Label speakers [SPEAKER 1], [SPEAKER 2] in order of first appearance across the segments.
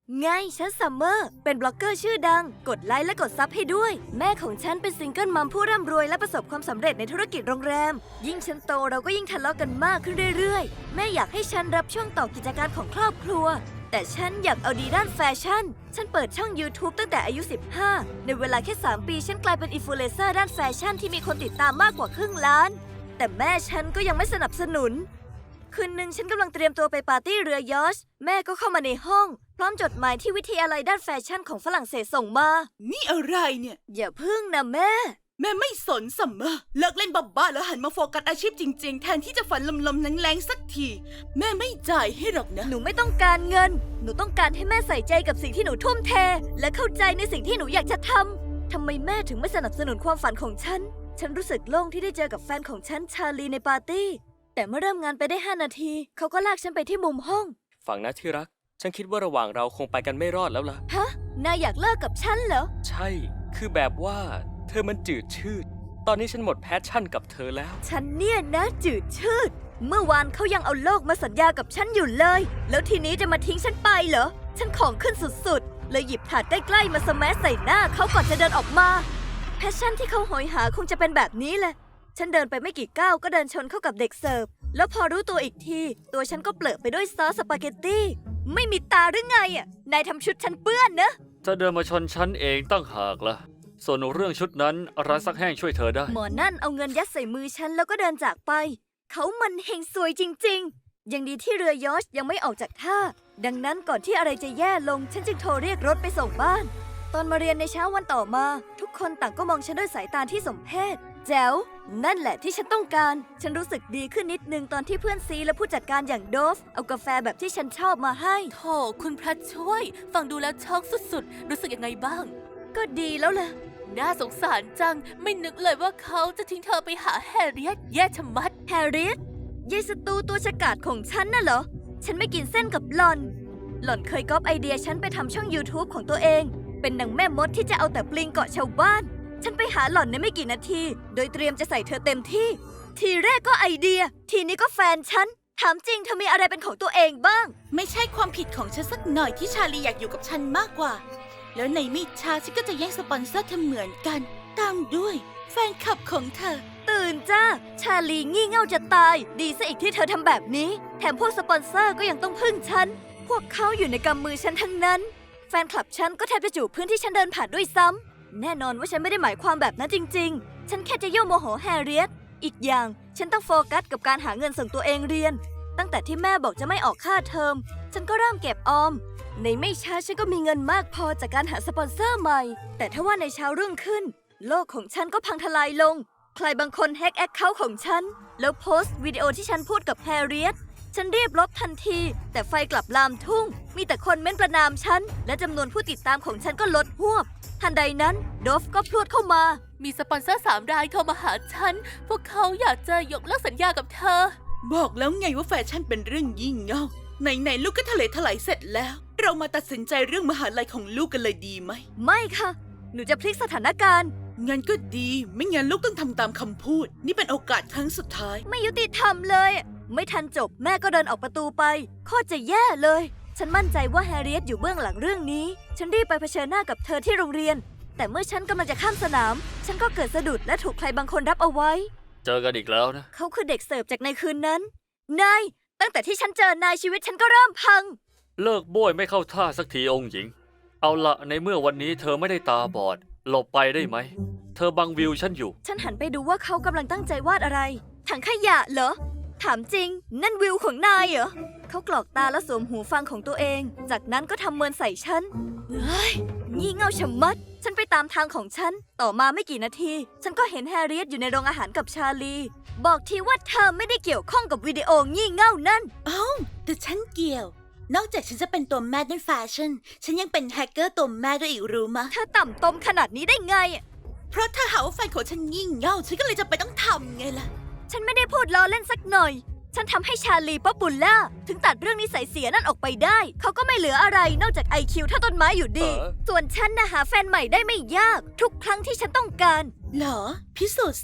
[SPEAKER 1] ไงฉันซัมเมอร์เป็นบล็อกเกอร์ชื่อดังกดไลค์และกดซับให้ด้วยแม่ของฉันเป็นซิงเกิลมัมผู้ร่ำรวยและประสบความสำเร็จในธุรกิจโรงแรมยิ่งฉันโตเราก็ยิ่งทะเลาะกันมากขึ้นเรื่อยๆแม่อยากให้ฉันรับช่วงต่อกิจการของครอบครัวแต่ฉันอยากเอาดีด้านแฟชั่นฉันเปิดช่อง YouTube ตั้งแต่อายุ 15ในเวลาแค่ 3 ปีฉันกลายเป็นอินฟลูเอนเซอร์ด้านแฟชั่นที่มีคนติดตามมากกว่าครึ่งล้านแต่แม่ฉันก็ยังไม่สนับสนุนคืนหนึ่งฉันกำลังเตรียมตัวไปปาร์ตี้เรือยอชต์แม่ก็เข้ามาในห้องพร้อมจดหมายที่วิทยาลัยด้านแฟชั่นของฝรั่งเศสส่งมา
[SPEAKER 2] นี่อะไรเนี่ย
[SPEAKER 1] อย่าพึ่งนะแม่
[SPEAKER 2] แม่ไม่สนซัมเมอร์เลิกเล่นบ้าๆแล้วหันมาโฟกัสอาชีพจริงๆแทนที่จะฝันลมๆแรงๆสักทีแม่ไม่จ่ายให้หรอกนะ
[SPEAKER 1] หนูไม่ต้องการเงินหนูต้องการให้แม่ใส่ใจกับสิ่งที่หนูทุ่มเทและเข้าใจในสิ่งที่หนูอยากจะทำไมแม่ถึงไม่สนับสนุนความฝันของฉันรู้สึกโล่งที่ได้เจอกับแฟนของฉันชาลีในปาร์ตี้แต่เมื่อเริ่มงานไปได้5 นาทีเขาก็ลากฉันไปที่มุมห้อง
[SPEAKER 3] ฟังนะที่รักฉันคิดว่าระหว่างเราคงไปกันไม่รอดแล้วล่ะ
[SPEAKER 1] ฮะนายอยากเลิกกับฉันเหรอ
[SPEAKER 3] ใช่คือแบบว่าเธอมันจืดชืดตอนนี้ฉันหมดแพชชั่นกับเธอแล้ว
[SPEAKER 1] ฉันเนี่ยนะจืดชืดเมื่อวานเขายังเอาโลกมาสัญญากับฉันอยู่เลยแล้วทีนี้จะมาทิ้งฉันไปเหรอฉันของขึ้นสุดๆเลยหยิบถาดใกล้ๆมาสแมัใส่หน้าเขาก่อนจะเดินออกมาแพชชั่นที่เขาโหยหาคงจะเป็นแบบนี้แหละฉันเดินไปไม่กี่ก้าวก็เดินชนเข้ากับเด็กเสิร์ฟแล้วพอรู้ตัวอีกทีตัวฉันก็เปลือะไปด้วยซอสสปาเกตตี้ไม่มีตาหรือไงอ่ะนายทำชุดฉันเปื้อนนะ
[SPEAKER 4] เธอเดินมาชนฉันเองตั้งหากล่ะส่วนเรื่องชุดนั้นร้านซักแห้งช่วยเธอได้
[SPEAKER 1] หมอนั่นเอาเงินยัดใส่มือฉันแล้วก็เดินจากไปเขามันเฮงซวยจริงๆยังดีที่เรือยอชต์ยังไม่ออกจากท่าดังนั้นก่อนที่อะไรจะแย่ลงฉันจึงโทรเรียกรถไปส่งบ้านตอนมาเรียนในเช้าวันต่อมาทุกคนต่างก็มองฉันด้วยสายตาที่สมเพชแจ๋วนั่นแหละที่ฉันต้องการฉันรู้สึกดีขึ้นนิดนึงตอนที่เพื่อนซีและผู้จัดการอย่างโดฟเอากาแฟแบบที่ฉันชอบมาให้
[SPEAKER 5] โธ่คุณพระช่วยฟังดูแล้วช็อกสุดๆรู้สึกยังไงบ้าง
[SPEAKER 1] ก็ดีแล้วล่ะ
[SPEAKER 5] น่าสงสารจังไม่นึกเลยว่าเขาจะทิ้งเธอไปหาแฮร์เรียตแย่ชะมัด
[SPEAKER 1] แฮร์เรียตยายสตูตัวฉกาจของฉันน่ะเหรอฉันไม่กินเส้นกับหล่อนเคยก๊อปไอเดียฉันไปทำช่อง YouTube ของตัวเองเป็นนางแม่มดที่จะเอาแต่ปลิงเกาะชาวบ้านฉันไปหาหล่อนในไม่กี่นาทีโดยเตรียมจะใส่เธอเต็มที่ทีแรกก็ไอเดียทีนี้ก็แฟนฉันถามจริงเธอมีอะไรเป็นของตัวเองบ้าง
[SPEAKER 2] ไม่ใช่ความผิดของฉันสักหน่อยที่ชาลีอยากอยู่กับฉันมากกว่าแล้วในไม่ช้าฉันก็จะแย่งสปอนเซอร์เธอเหมือนกันตามด้วยแฟนคลับของเธอ
[SPEAKER 1] ตื่นจ้าชาลีงี่เง่าจะตายดีซะอีกที่เธอทำแบบนี้แถมพวกสปอนเซอร์ก็ยังต้องพึ่งฉันพวกเขาอยู่ในกำมือฉันทั้งนั้นแฟนคลับฉันก็แทบจะจูบพื้นที่ฉันเดินผ่านด้วยซ้ำแน่นอนว่าฉันไม่ได้หมายความแบบนั้นจริงๆฉันแค่จะยั่วโมโหแฮร์เรียตอีกอย่างฉันต้องโฟกัสกับการหาเงินส่งตัวเองเรียนตั้งแต่ที่แม่บอกจะไม่ออกค่าเทอมฉันก็เริ่มเก็บออมในไม่ช้าฉันก็มีเงินมากพอจากการหาสปอนเซอร์ใหม่แต่ถ้าว่าในเช้ารุ่งขึ้นโลกของฉันก็พังทลายลงใครบางคนแฮกแอคเคาท์ของฉันแล้วโพสต์วิดีโอที่ฉันพูดกับแฮร์เรียตฉันรีบลบทันทีแต่ไฟกลับลามทุ่งมีแต่คนเม้นประณามฉันและจำนวนผู้ติดตามของฉันก็ลดหวบทันใดนั้นโดฟก็พรวดเข้ามา
[SPEAKER 5] มีสปอนเซอร์3 รายโทรมาหาฉันพวกเขาอยากจะยกเลิกสัญญากับเธอ
[SPEAKER 2] บอกแล้วไงว่าแฟชั่นเป็นเรื่องยิ่งเง่าไหนลูกก็ทะเลถลายเสร็จแล้วเรามาตัดสินใจเรื่องมหาลัยของลูกกันเลยดีไหม
[SPEAKER 1] ไม่ค่ะหนูจะพลิกสถานการณ์
[SPEAKER 2] งั้นก็ดีไม่งั้นลูกต้องทำตามคำพูดนี่เป็นโอกาสครั้งสุดท้าย
[SPEAKER 1] ไม่ยุติธรรมเลยไม่ทันจบแม่ก็เดินออกประตูไปโคตรจะแย่เลยฉันมั่นใจว่าแฮร์เรียตอยู่เบื้องหลังเรื่องนี้ฉันรีบไปเผชิญหน้ากับเธอที่โรงเรียนแต่เมื่อฉันกำลังจะข้ามสนามฉันก็เกิดสะดุดและถูกใครบางคนรับเอาไว้
[SPEAKER 4] เจอกันอีกแล้วนะ
[SPEAKER 1] เขาคือเด็กเสิร์ฟจากในคืนนั้นนายตั้งแต่ที่ฉันเจอนายชีวิตฉันก็เริ่มพัง
[SPEAKER 4] เลิกโบ้ยไม่เข้าท่าสักทีองค์หญิงเอาละในเมื่อวันนี้เธอไม่ได้ตาบอดหลบไปได้ไหมเธอบังวิวฉันอยู่
[SPEAKER 1] ฉันหันไปดูว่าเขากำลังตั้งใจวาดอะไรถังขยะเหรอถามจริงนั่นวิวของนายเหรอเขากรอกตาแล้วสวมหูฟังของตัวเองจากนั้นก็ทำเมินใส่ฉันเฮ้ยงี่เง่าชะมัดฉันไปตามทางของฉันต่อมาไม่กี่นาทีฉันก็เห็นแฮร์เรียตอยู่ในโรงอาหารกับชาลีบอกทีว่าเธอไม่ได้เกี่ยวข้องกับวิดีโองี่เง่านั่น
[SPEAKER 2] แต่ฉันเกี่ยวนอกจากฉันจะเป็นตัวแม่ด้านแฟชั่นฉันยังเป็นแฮกเกอร์ตัวแม่ด้วยอีกรู้มะ
[SPEAKER 1] เธอต่ำตมขนาดนี้ได้ไง
[SPEAKER 2] เพราะเธอหาว่าแฟนของฉันงี่เง่าฉันก็เลยจะไปต้องทำไงล่ะ
[SPEAKER 1] ฉันไม่ได้พูดล้อเล่นสักหน่อยฉันทำให้ชาลีป๊อปปูล่าถึงตัดเรื่องนิสัยเสียนั่นออกไปได้เขาก็ไม่เหลืออะไรนอกจาก IQ เท่าต้นไม้อยู่ดีส่วนฉันน่ะหาแฟนใหม่ได้ไม่ยากทุกครั้งที่ฉันต้องการ
[SPEAKER 2] เหรอพิสูจน์สิ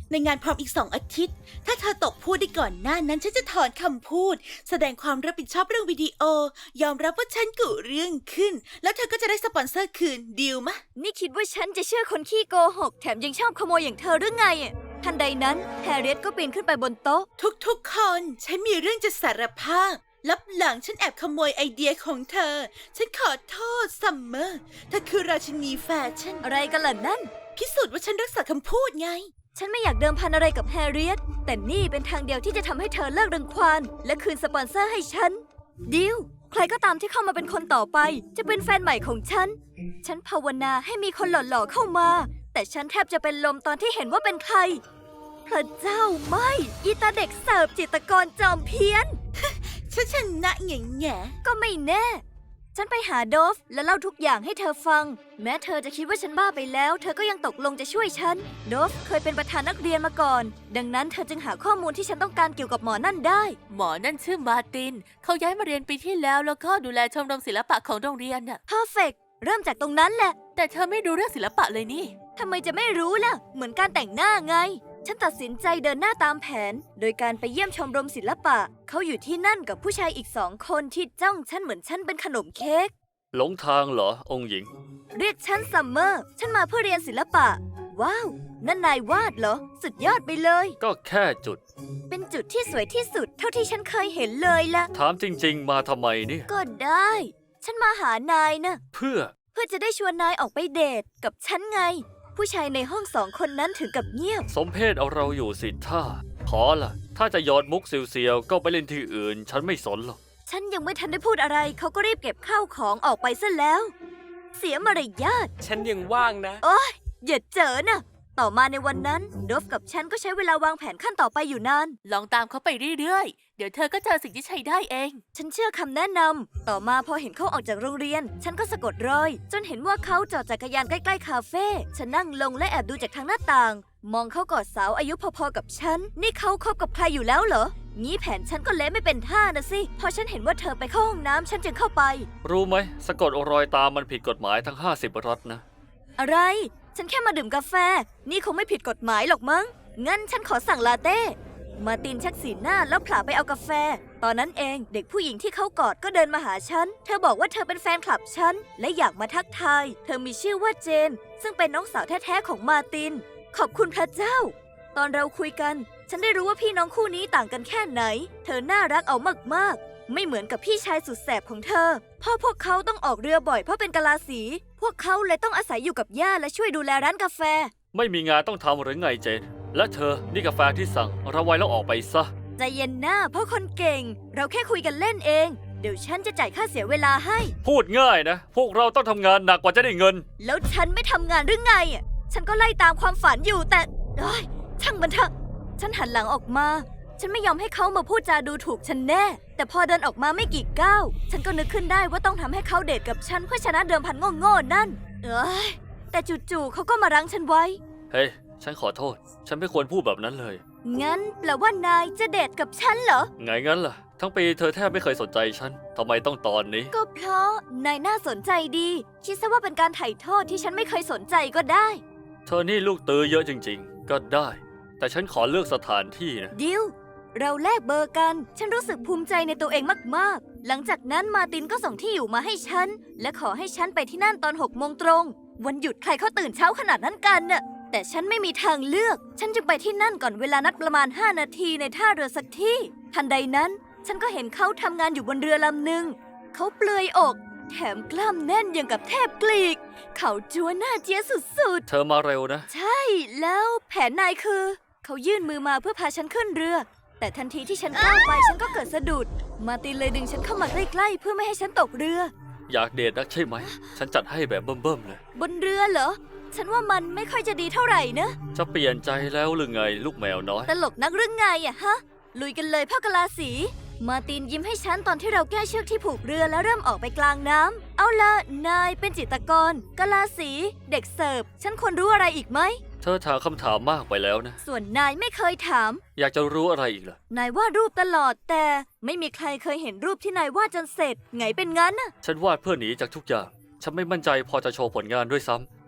[SPEAKER 2] ในงานพร้อมอีก2 อาทิตย์ ถ้าเธอตกพูดได้ก่อนหน้านั้นฉันจะถอนคำพูด แสดงความรับผิดชอบเรื่องวิดีโอ ยอมรับว่าฉันกุเรื่องขึ้น แล้วเธอก็จะได้สปอนเซอร์คืนดีลมะ
[SPEAKER 1] นี่คิดว่าฉันจะเชื่อคนขี้โกหก แถมยังชอบขโมยอย่างเธอหรือไงอะทันใดนั้นแฮร์เรียตก็ปีนขึ้นไปบนโต๊ะ
[SPEAKER 2] ทุกๆคนฉันมีเรื่องจะสารภาพลับหลังฉันแอบขโมยไอเดียของเธอ ฉันขอโทษซัมเมอร์เธอคือราชินีแฟชั่น
[SPEAKER 1] อะไรกันล่ะนั่น
[SPEAKER 2] พิสูจน์ว่าฉันรักษาคำพูดไง
[SPEAKER 1] ฉันไม่อยากเดิมพันอะไรกับแฮร์เรียตแต่นี่เป็นทางเดียวที่จะทำให้เธอเลิกรังควานและคืนสปอนเซอร์ให้ฉันดิวใครก็ตามที่เข้ามาเป็นคนต่อไป จะเป็นแฟนใหม่ของฉัน ฉันภาวนาให้มีคนหล่อๆเข้ามา แต่ฉันแทบจะเป็นลมตอนที่เห็นว่าเป็นใคร พระเจ้าไม่อีตาเด็กเสิร์ฟจิตรกรจอมเพี้ยน
[SPEAKER 2] ฉันชนะแง่แง่
[SPEAKER 1] ก็ไม่แน่ ฉันไปหาโดฟและเล่าทุกอย่างให้เธอฟัง แม้เธอจะคิดว่าฉันบ้าไปแล้ว เธอก็ยังตกลงจะช่วยฉัน โดฟเคยเป็นประธานนักเรียนมาก่อน ดังนั้นเธอจึงหาข้อมูลที่ฉันต้องการเกี่ยวกับหมอนั่นได้
[SPEAKER 5] หมอนั่นชื่อมาร์ติน เขาย้ายมาเรียนปีที่แล้วแล้วก็ดูแลชมรมศิลปะของโรงเรียนน่ะ
[SPEAKER 1] Perfect เริ่มจากตรงนั้นแหละ
[SPEAKER 5] แต่เธอไม่รู้เรื่องศิลปะเลยนี่
[SPEAKER 1] ทำไมจะไม่รู้ล่ะ เหมือนการแต่งหน้าไง ฉันตัดสินใจเดินหน้าตามแผน โดยการไปเยี่ยมชมรมศิลปะ เขาอยู่ที่นั่นกับผู้ชายอีก2 คนที่จ้องฉันเหมือนฉันเป็นขนมเค้ก
[SPEAKER 4] หลงทางเหรอองค์หญิง
[SPEAKER 1] เรียกฉันซัมเมอร์ ฉันมาเพื่อเรียนศิลปะ ว้าว นั่นนายวาดเหรอ สุดยอดไปเลย
[SPEAKER 4] ก็แค่จุด
[SPEAKER 1] เป็นจุดที่สวยที่สุดเท่าที่ฉันเคยเห็นเลยล่ะ
[SPEAKER 4] ถามจริง ๆ มาทำไมเนี่ย
[SPEAKER 1] ก็ได้ ฉันมาหานายนะ
[SPEAKER 4] เพื่อ
[SPEAKER 1] เพื่อจะได้ชวนนายออกไปเดทกับฉันไง ผู้ชายในห้อง2 คนนั้นถึงกับเงียบ
[SPEAKER 4] สมเพศเอาเราอยู่สิท่า ขอล่ะ ถ้าจะหยอดมุกเซียวๆก็ไปเล่นที่อื่น ฉันไม่สนหรอก
[SPEAKER 1] ฉันยังไม่ทันได้พูดอะไร เขาก็รีบเก็บข้าวของออกไปซะแล้ว เสียมารยาท
[SPEAKER 3] ฉันยังว่างนะ
[SPEAKER 1] อย่าเจอนะ ต่อมาในวันนั้นโดฟกับฉันก็ใช้เวลาวางแผนขั้นต่อไปอยู่นาน
[SPEAKER 5] ลองตามเขาไปเรื่อยๆ เดี๋ยวเธอก็เจอสิ่งที่ใช้ได้เอง
[SPEAKER 1] ฉันเชื่อคำแนะนำ ต่อมาพอเห็นเขาออกจากโรงเรียน ฉันก็สะกดรอย จนเห็นว่าเขาจอดจักรยานใกล้ๆคาเฟ่ ฉันนั่งลงและแอบดูจากทางหน้าต่าง มองเขากอดสาวอายุพอๆกับฉัน นี่เขาคบกับใครอยู่แล้วเหรอ งี้แผนฉันก็เละไม่เป็นท่านะสิ พอฉันเห็นว่าเธอไปเข้าห้องน้ำฉันจึงเข้าไป
[SPEAKER 4] รู้ไหมสะกดรอยตามมันผิดกฎหมายทั้ง50 รัฐนะ
[SPEAKER 1] อะไร ฉันแค่มาดื่มกาแฟ นี่คงไม่ผิดกฎหมายหรอกมั้ง งั้นฉันขอสั่งลาเต้ มาร์ตินชักสีหน้าแล้วผลาไปเอากาแฟ ตอนนั้นเองเด็กผู้หญิงที่เขากอดก็เดินมาหาฉัน เธอบอกว่าเธอเป็นแฟนคลับฉัน และอยากมาทักทาย เธอมีชื่อว่าเจน ซึ่งเป็นน้องสาวแท้ๆของมาร์ติน ขอบคุณพระเจ้า ตอนเราคุยกัน ฉันได้รู้ว่าพี่น้องคู่นี้ต่างกันแค่ไหน เธอน่ารักเอามากๆ ไม่เหมือนกับพี่ชายสุดแสบของเธอ พ่อพวกเขาต้องออกเรือบ่อยเพราะเป็นกะลาสี พวกเขาเลยต้องอาศัยอยู่กับย่าและช่วยดูแลร้านกาแฟ
[SPEAKER 4] ไม่มีงานต้องทำหรือไงเจน และเธอนี่กาแฟที่สั่งระไว้แล้วออกไปซะ
[SPEAKER 1] ใจเย็นหน้าเพราะคนเก่ง เราแค่คุยกันเล่นเอง เดี๋ยวฉันจะจ่ายค่าเสียเวลาให้
[SPEAKER 4] พูดง่ายนะ พวกเราต้องทำงานหนักกว่าจะได้เงิน
[SPEAKER 1] แล้วฉันไม่ทำงานหรือไงอ่ะฉันก็ไล่ตามความฝันอยู่แต่เอ้ยช่างมันเถอะ ฉันหันหลังออกมา ฉันไม่ยอมให้เขามาพูดจาดูถูกฉันแน่ แต่พอเดินออกมาไม่กี่ก้าวฉันก็นึกขึ้นได้ว่าต้องทำให้เขาเดทกับฉันเพื่อชนะเดิมพันโง่ๆนั่น เอ้ยแต่จู่ๆเขาก็มารั้งฉันไว้
[SPEAKER 4] เฮ้ย ฉันขอโทษ ฉันไม่ควรพูดแบบนั้นเลย
[SPEAKER 1] งั้นแปลว่านายจะเดทกับฉันเหรอ
[SPEAKER 4] ไงงั้นล่ะ ทั้งปีเธอแทบไม่เคยสนใจฉัน ทำไมต้องตอนนี้
[SPEAKER 1] ก็เพราะนายน่าสนใจดี คิดซะว่าเป็นการไถ่โทษที่ฉันไม่เคยสนใจก็ได้
[SPEAKER 4] เธอนี่ลูกตื้อเยอะจริงๆ ก็ได้ แต่ฉันขอเลือกสถานที่นะ
[SPEAKER 1] ดิว เราแลกเบอร์กัน ฉันรู้สึกภูมิใจในตัวเองมากๆ หลังจากนั้นมาร์ตินก็ส่งที่อยู่มาให้ฉัน และขอให้ฉันไปที่นั่นตอน6 โมงตรง วันหยุดใครเขาตื่นเช้าขนาดนั้นกันน่ะ แต่ฉันไม่มีทางเลือก ฉันจึงไปที่นั่นก่อนเวลานัดประมาณ5 นาทีในท่าเรือสักที่ ทันใดนั้น ฉันก็เห็นเขาทำงานอยู่บนเรือลำหนึ่ง เขาเปลือยอก แถมกล้ามแน่นอย่างกับเทพกรีก เขาจัวหน้าเจี๊ยสุดๆ
[SPEAKER 4] เธอมาเร็วนะ
[SPEAKER 1] ใช่ แล้วแผนนายคือ เขายื่นมือมาเพื่อพาฉันขึ้นเรือ แต่ทันทีที่ฉันก้าวไปฉันก็เกิดสะดุด มาร์ตินเลยดึงฉันเข้ามาใกล้ๆเพื่อไม่ให้ฉันตกเรือ
[SPEAKER 4] อยากเดทนักใช่ไหม ฉันจัดให้แบบเบิ่มๆเลย
[SPEAKER 1] บนเรือเหรอ ฉันว่ามันไม่ค่อยจะดีเท่าไหร่นะ
[SPEAKER 4] จะเปลี่ยนใจแล้วหรือไงลูกแมวน้อย
[SPEAKER 1] ตลกนักหรือไงอะฮะ ลุยกันเลยพ่อกะลาสี มาร์ตินยิ้มให้ฉันตอนที่เราแก้เชือกที่ผูกเรือแล้วเริ่มออกไปกลางน้ำเอาละนายเป็นจิตรกรกะลาสี เด็กเสิร์ฟ ฉันควรรู้อะไรอีกไหม
[SPEAKER 4] เธอถามคำถามมากไปแล้วนะ
[SPEAKER 1] ส่วนนายไม่เคยถาม
[SPEAKER 4] อยากจะรู้อะไรอีกล่ะ
[SPEAKER 1] นายวาดรูปตลอดแต่ไม่มีใครเคยเห็นรูปที่นายวาดจนเสร็จ ไงเป็นงั้นน่ะ
[SPEAKER 4] ฉันวาดเพื่อหนีจากทุกอย่าง ฉันไม่มั่นใจพอจะโชว์ผลงานด้วยซ้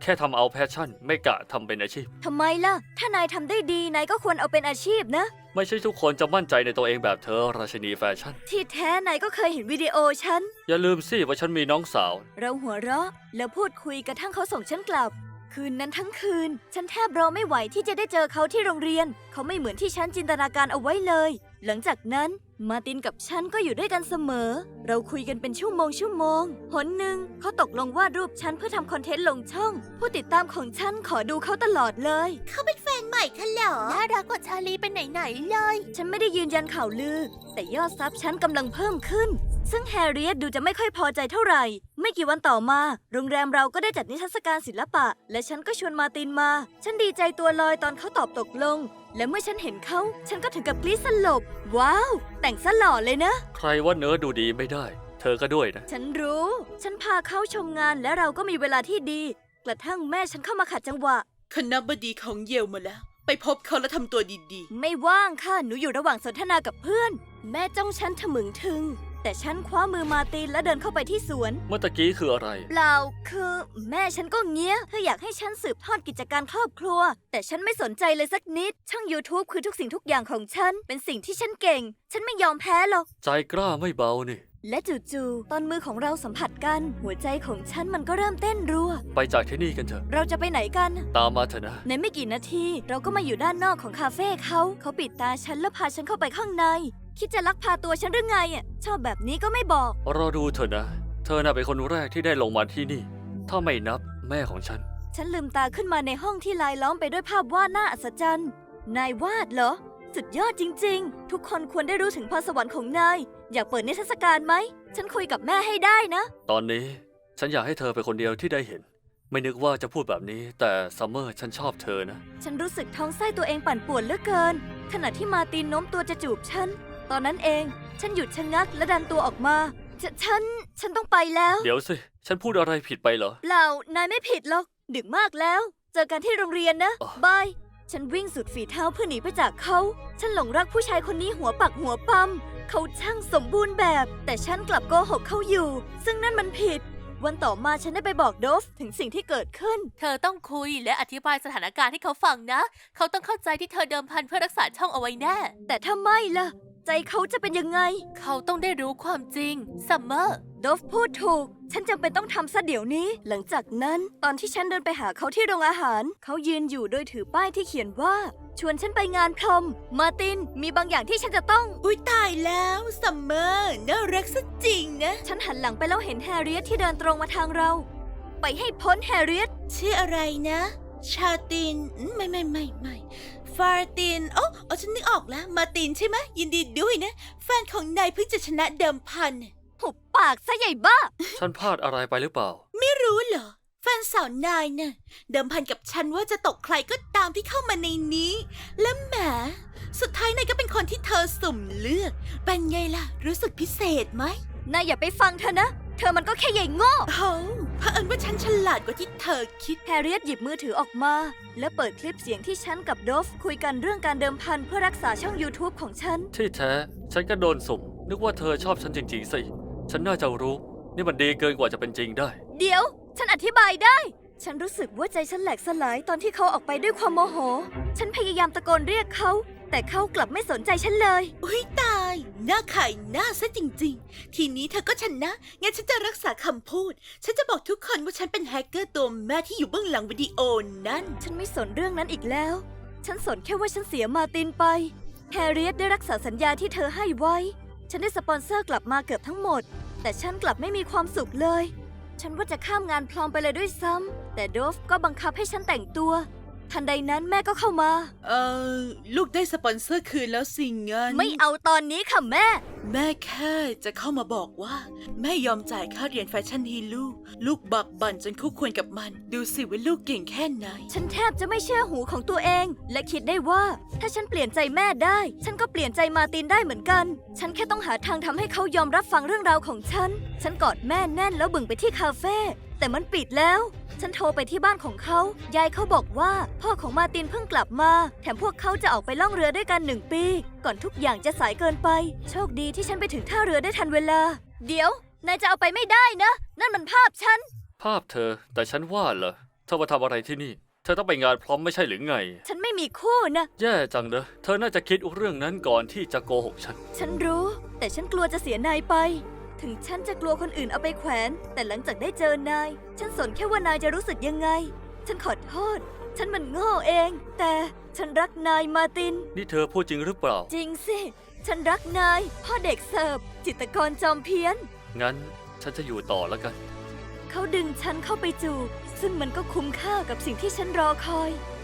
[SPEAKER 4] แค่ทำเอาแพชชั่นไม่กะทำเป็นอาชีพ
[SPEAKER 1] ทำไมล่ะ ถ้านายทำได้ดี นายก็ควรเอาเป็นอาชีพนะ
[SPEAKER 4] ไม่ใช่ทุกคนจะมั่นใจในตัวเองแบบเธอราชินีแฟชั่น
[SPEAKER 1] ที่แท้นายก็เคยเห็นวิดีโอฉัน
[SPEAKER 4] อย่าลืมสิว่าฉันมีน้องสาว
[SPEAKER 1] เราหัวเราะแล้วพูดคุยกระทั่งเขาส่งฉันกลับ คืนนั้นทั้งคืน ฉันแทบรอไม่ไหวที่จะได้เจอเขาที่โรงเรียน เขาไม่เหมือนที่ฉันจินตนาการเอาไว้เลย หลังจากนั้นมาร์ตินกับฉันก็อยู่ด้วยกันเสมอ เราคุยกันเป็นชั่วโมงหนหนึ่งเขาตกลงวาดรูปฉันเพื่อทำคอนเทนต์ลงช่อง ผู้ติดตามของฉันขอดูเขาตลอดเลย
[SPEAKER 2] เขาเป็นแฟนใหม่ค่ะเหรอ
[SPEAKER 5] น่ารักกว่าชาลีเป็นไหนๆเลย
[SPEAKER 1] ฉันไม่ได้ยืนยันข่าวลือ แต่ยอดซับฉันกำลังเพิ่มขึ้น ซึ่งแฮร์ริเอตดูจะไม่ค่อยพอใจเท่าไหร่ ไม่กี่วันต่อมา โรงแรมเราก็ได้จัดนิทรรศการศิลปะ และฉันก็ชวนมาร์ตินมา ฉันดีใจตัวลอยตอนเขาตอบตกลง และเมื่อฉันเห็นเขา ฉันก็ถึงกับกรี๊ดสลบ ว้าว แต่งซะหล่อเลยนะ
[SPEAKER 4] ใครว่าเนื้อดูดีไม่ได้ เธอก็ด้วยนะ
[SPEAKER 1] ฉันรู้ ฉันพาเขาชมงานและเราก็มีเวลาที่ดี กระทั่งแม่ฉันเข้ามาขัดจังหวะ
[SPEAKER 2] คณะบดีของเยลมาแล้ว ไปพบเขาแล้วทำตัวดี
[SPEAKER 1] ไม่ว่างค่ะ หนูอยู่ระหว่างสนทนากับเพื่อน แม่จ้องฉันทะมึงถึง แต่ฉันคว้ามือมาร์ตินและเดินเข้าไปที่สวน
[SPEAKER 4] เมื่อตะกี้คืออะไร
[SPEAKER 1] เปล่าคือแม่ฉันก็เงี้ยเธออยากให้ฉันสืบทอดกิจการครอบครัว แต่ฉันไม่สนใจเลยสักนิด ช่อง YouTube คือทุกสิ่งทุกอย่างของฉัน เป็นสิ่งที่ฉันเก่ง ฉันไม่ยอมแพ้หรอก
[SPEAKER 4] ใจกล้าไม่เบานี่
[SPEAKER 1] และจู่ๆตอนมือของเราสัมผัสกัน หัวใจของฉันมันก็เริ่มเต้นรัว
[SPEAKER 4] ไปจากที่นี่กันเถอะ
[SPEAKER 1] เราจะไปไหนกัน
[SPEAKER 4] ตามมาเถอะนะ
[SPEAKER 1] ในไม่กี่นาที เราก็มาอยู่ด้านนอกของคาเฟ่เขาปิดตาฉันแล้วพาฉันเข้าไปข้างใน คิดจะลักพาตัวฉันหรือไงอ่ะชอบแบบนี้ก็ไม่บอก
[SPEAKER 4] รอดูเถอะนะ เธอน่ะเป็นคนแรกที่ได้ลงมาที่นี่ ถ้าไม่นับแม่ของฉัน
[SPEAKER 1] ฉันลืมตาขึ้นมาในห้องที่ลายล้อมไปด้วยภาพวาดน่าอัศจรรย์ นายวาดเหรอ สุดยอดจริงๆ ทุกคนควรได้รู้ถึงพรสวรรค์ของนาย อยากเปิดนิทรรศการไหม ฉันคุยกับแม่ให้ได้นะ
[SPEAKER 4] ตอนนี้ฉันอยากให้เธอเป็นคนเดียวที่ได้เห็น ไม่นึกว่าจะพูดแบบนี้ แต่ซัมเมอร์ฉันชอบเธอนะ
[SPEAKER 1] ฉันรู้สึกท้องไส้ตัวเองปั่นป่วนเหลือเกิน ขณะที่มาร์ตินโน้มตัวจะจูบฉัน ตอนนั้นเอง ฉันหยุดชะงักและดันตัวออกมาฉันต้องไปแล้ว
[SPEAKER 4] เดี๋ยวสิ ฉันพูดอะไรผิดไปเหรอ
[SPEAKER 1] เปล่า นายไม่ผิดหรอก ดึกมากแล้ว เจอกันที่โรงเรียนนะ
[SPEAKER 4] อ๋อ
[SPEAKER 1] บาย ฉันวิ่งสุดฝีเท้าเพื่อหนีไปจากเขา ฉันหลงรักผู้ชายคนนี้หัวปักหัวปั๊ม เขาช่างสมบูรณ์แบบ แต่ฉันกลับโกหกเขาอยู่ ซึ่งนั่นมันผิด วันต่อมาฉันได้ไปบอกโดฟถึงสิ่งที่เกิดขึ้น
[SPEAKER 5] เธอต้องคุยและอธิบายสถานการณ์ให้เขาฟังนะ เขาต้องเข้าใจที่เธอเดิมพันเพื่อรักษาช่องเอาไว้แน่
[SPEAKER 1] แต่ถ้าไม่ล่ะ ใจเขาจะเป็นยังไง
[SPEAKER 5] เขาต้องได้รู้ความจริง ซัมเมอร์
[SPEAKER 1] โดฟพูดถูก ฉันจำเป็นต้องทำซะเดี๋ยวนี้ หลังจากนั้น ตอนที่ฉันเดินไปหาเขาที่โรงอาหาร เขายืนอยู่โดยถือป้ายที่เขียนว่า ชวนฉันไปงานพรอม มาร์ติน มีบางอย่างที่ฉันจะต้อง
[SPEAKER 2] ๆ อุ๊ยตายแล้วซัมเมอร์น่ารักซะจริงนะ
[SPEAKER 1] ฉันหันหลังไปแล้วเห็นแฮร์ริเอตที่เดินตรงมาทางเรา ไปให้พ้นแฮร์ริเอต
[SPEAKER 2] ชื่ออะไรนะ ชาตินไม่ฟาร์ตินโอ้ฉันนึกออกแล้ว มาตินใช่ไหมยินดีด้วยนะ แฟนของนายเพิ่งจะชนะเดิมพัน
[SPEAKER 1] หุบปากซะใหญ่บ้า
[SPEAKER 4] ฉันพลาดอะไรไปหรือเปล่า
[SPEAKER 2] ไม่รู้เหรอ แฟนสาวนายน่ะเดิมพันกับฉันว่าจะตกใครก็ตามที่เข้ามาในนี้ และแหมสุดท้ายนายก็เป็นคนที่เธอสุ่มเลือก เป็นไงล่ะ รู้สึกพิเศษไหม
[SPEAKER 1] นายอย่าไปฟังเธอนะ เธอมันก็แค่ใหญ่โง่
[SPEAKER 2] โอ้เผอิญว่าฉันฉลาดกว่าที่เธอคิด
[SPEAKER 1] แฮร์ริเอตหยิบมือถือออกมา และเปิดคลิปเสียงที่ฉันกับโดฟคุยกันเรื่องการเดิมพันเพื่อรักษาช่อง YouTube ของฉัน
[SPEAKER 4] ที่แท้ ฉันก็โดนสุ่ม นึกว่าเธอชอบฉันจริงๆสิ ฉันน่าจะรู้ นี่มันดีเกินกว่าจะเป็นจริงได้
[SPEAKER 1] เดี๋ยว ฉันอธิบายได้ ฉันรู้สึกว่าใจฉันแหลกสลายตอนที่เขาออกไปด้วยความโมโห ฉันพยายามตะโกนเรียกเขา แต่เขากลับไม่สนใจฉันเลย
[SPEAKER 2] อุ้ยตาย หน้าขายหน้าซะจริงๆ ทีนี้เธอก็ชนะ งั้นฉันจะรักษาคำพูด ฉันจะบอกทุกคนว่าฉันเป็นแฮกเกอร์ตัวแม่ที่อยู่เบื้องหลังวิดีโอนั้น
[SPEAKER 1] ฉันไม่สนเรื่องนั้นอีกแล้ว ฉันสนแค่ว่าฉันเสียมาร์ตินไป แฮร์ริเอตได้รักษาสัญญาที่เธอให้ไว้ ฉันได้สปอนเซอร์กลับมาเกือบทั้งหมด แต่ฉันกลับไม่มีความสุขเลย ฉันว่าจะข้ามงานพลอมไปเลยด้วยซ้ำ แต่โดฟก็บังคับให้ฉันแต่งตัว ทันใดนั้นแม่ก็เข้ามา
[SPEAKER 2] ลูกได้สปอนเซอร์คืนแล้วสิงั้น
[SPEAKER 1] ไม่เอาตอนนี้ค่ะแม่
[SPEAKER 2] แม่แค่จะเข้ามาบอกว่า แม่ยอมจ่ายค่าเรียนแฟชั่นให้ลูก ลูกบักบั่นจนคู่ควรกับมัน ดูสิว่าลูกเก่งแค่ไหน
[SPEAKER 1] ฉันแทบจะไม่เชื่อหูของตัวเอง และคิดได้ว่า ถ้าฉันเปลี่ยนใจแม่ได้ ฉันก็เปลี่ยนใจมาร์ตินได้เหมือนกัน ฉันแค่ต้องหาทางทำให้เขายอมรับฟังเรื่องราวของฉัน ฉันกอดแม่แน่นแล้วบึ่งไปที่คาเฟ่แต่มันปิดแล้ว ฉันโทรไปที่บ้านของเขายายเขาบอกว่าพ่อของมาร์ตินเพิ่งกลับมา แถมพวกเขาจะออกไปล่องเรือด้วยกัน1 ปี ก่อนทุกอย่างจะสายเกินไป โชคดีที่ฉันไปถึงท่าเรือได้ทันเวลา เดี๋ยวนายจะเอาไปไม่ได้นะ นั่นมันภาพฉัน
[SPEAKER 4] ภาพเธอ แต่ฉันว่าเหรอ เธอมาทำอะไรที่นี่ เธอต้องไปงานพร้อมไม่ใช่หรือไง
[SPEAKER 1] ฉันไม่มีคู่นะ
[SPEAKER 4] แย่จังเนอะเธอน่าจะคิดเรื่องนั้นก่อนที่จะโกหกฉัน
[SPEAKER 1] ฉันรู้ แต่ฉันกลัวจะเสียนายไป ถึงฉันจะกลัวคนอื่นเอาไปแขวน แต่หลังจากได้เจอนาย ฉันสนแค่ว่านายจะรู้สึกยังไง ฉันขอโทษ ฉันมันโง่เอง แต่ฉันรักนายมาร์ติน
[SPEAKER 4] นี่เธอพูดจริงหรือเปล่า
[SPEAKER 1] จริงสิ ฉันรักนาย พ่อเด็กเสิร์ฟ จิตรกรจอมเพี้ยน
[SPEAKER 4] งั้นฉันจะอยู่ต่อแล้วกัน
[SPEAKER 1] เขาดึงฉันเข้าไปจูบ ซึ่งมันก็คุ้มค่ากับสิ่งที่ฉันรอคอย